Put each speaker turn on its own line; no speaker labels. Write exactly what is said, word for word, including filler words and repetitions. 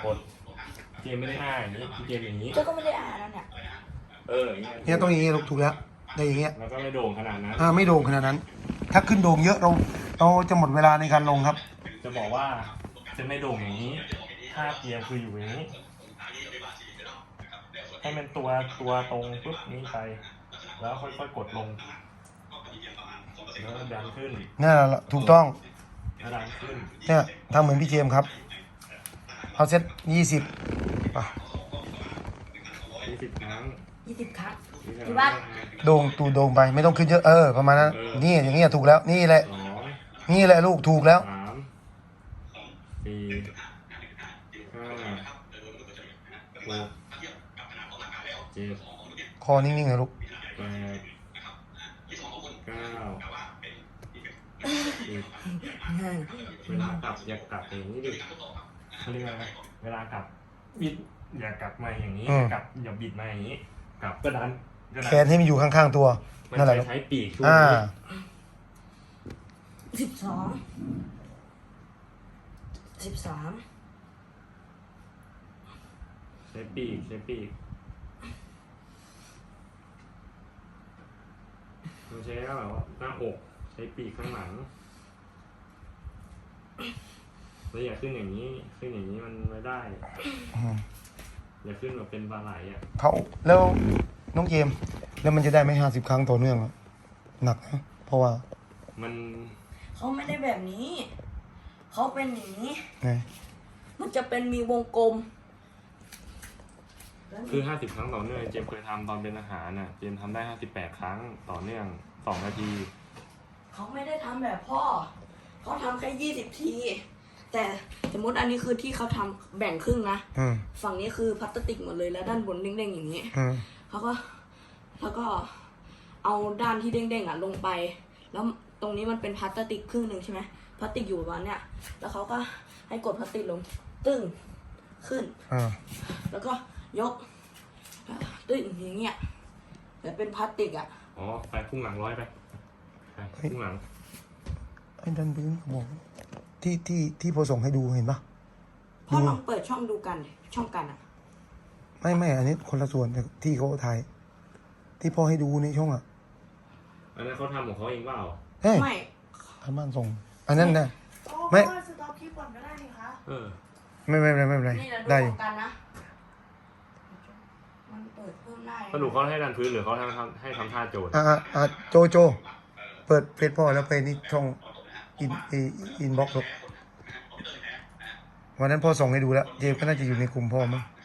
กดเจมไม่ได้อ่าอย่างนี้เจมอย่างนี้
เจ้าก็ไม่ได้อ่านแล้วเนี่ย
เอออย่างเงี้ย
เนี่ยต้องอย่างงี้ลูกถูกแล้วได้อย่างเงี้ย
แล้วก็ไม่โด่งขนาดนั้น
อ่าไม่โด่งขนาดนั้น ถ้าขึ้นโด่งเยอะเราเราจะหมดเวลาในการลงครับ
จะบอกว่าจะไม่โด่งอย่างนี้ถ้าเกียร์คืออยู่อย่างนี้ให้มันตัวตัวตรงปุ๊บนี้ไปแล้วค่อยๆกดลงแล้วดันขึ้น
นี่แหละถูกต้อง
แล้วดันขึ้น
เนี่ยทำเหมือนพี่เจมส์ครับเอาเซตยี่สิบป่ะ
ยี่สิบครั้ง
ยี่สิบครั้ง
ยี่สิบ
กี่
ค
วั
รั้
ด
ง
โด่งตูโด่งไปไม่ต้องขึ้นเยอะเออประมาณนั้นนี่อย่างเงี้ยถูกแล้วนี่แหละ
สอง
นี่แหละลูกถูกแล้ว
สามสี่ห้าหกเจ็ด
คอนิ่งๆเลยลูก
แปดเก้าสิบเวลากลับอย่ากลับอย่างนี้ดิเขาเรียกอะไรเวลากลับบิดอย่ากลับมาอย่างนี้กลับอย่าบิดมาอย่างนี้กลับก็ดันก็ดั
แขนให้มันอยู่ข้างๆตัว
มัน
นั่นแหละ
จะ
ลูก
ใช้ปีกช่วย
อ่า
สิบสองสิบสาม
ใช้ปีกใช้ปีกมันใช้ก็แบบว่าหน้าอกใช้ปีกข้างหลังแล้วอย่าขึ้นอย่างนี้ขึ้นอย่างนี้มันไม่ได้อย่าขึ้นแบบเป็นปลาไหลอ่ะ
เขาแล้วน้องเจมส์แล้วมันจะได้ไหมห้าสิบครั้งต่อเนื่องอะหนักนะเพราะว่า
มัน
เขาไม่ได้แบบนี้ เขาเป็นอย่างนี้
ไง
มันจะเป็นมีวงกลม
คือห้าสิบครั้งต่อเนื่องเจมส์เคยทำตอนเป็นอาหารน่ะเจมส์ทำได้ห้าสิบแปดครั้งต่อเนื่องสองนาที
เขาไม่ได้ทำแบบพ่อ เขาทำแค่ยี่สิบที แต่สมมติอันนี้คือที่เขาทำแบ่งครึ่งนะ
อืม
ฝั่งนี้คือพลาสติกหมดเลยแล้วด้านบนเด้งๆอย่างนี้
อืม
เขาก็แล้วก็เอาด้านที่เด้งๆอ่ะลงไป แล้วตรงนี้มันเป็นพลาสติกครึ่งหนึ่งใช่ไหมพลาสติกอยู่ประมาณเนี้ยแล้วเขาก็ให้กดพลาสติกลง ตึ้งขึ้น
อ่า
แล้วก็ยกตึ้งอย่างเงี้ยแต่เป็นพลาสติกอ่ะ
อ๋อไปพุ่งหลังร้อยไปไปพุ่งหลัง
ไอ้ดันพื้นเขาบอกที่ที่ที่พอส่งให้ดูเห็นปะ
พ่อลองเปิดช่องดูกันดิช่องกันอ่ะ
ไม่ไม่อันนี้คนละส่วนจากที่เขาถ่ายที่พ่อให้ดูในช่องอ่ะ
อันนั้นเขาทำของเขาเองเปล่า
เฮ้ย
ไม่
ทางบ้านส่ง อันนั้นนะ
ไม่
ไม่
สต็อปคลิปก่อนก็ได้นี่คะ
เออ
ไม่ไม่ไม่ไม่เป็นไร
นี่เราดู
ได้อ
ข
ยู่
องกันนะ มันเปิดเพิ่มได้
สรุปเขาให้ดันพื้นหรือเขาทำให้ทำท่าโจทย์
อ่าอ่าอ่าโจโจ เปิดเฟซพ่อแล้วไปนี่ช่องอินอินบ็อกซ์วันนั้นพ่อส่งให้ดูแล้ว เจมส์ก็น่าจะอยู่ในกลุ่มพ่อมั้ง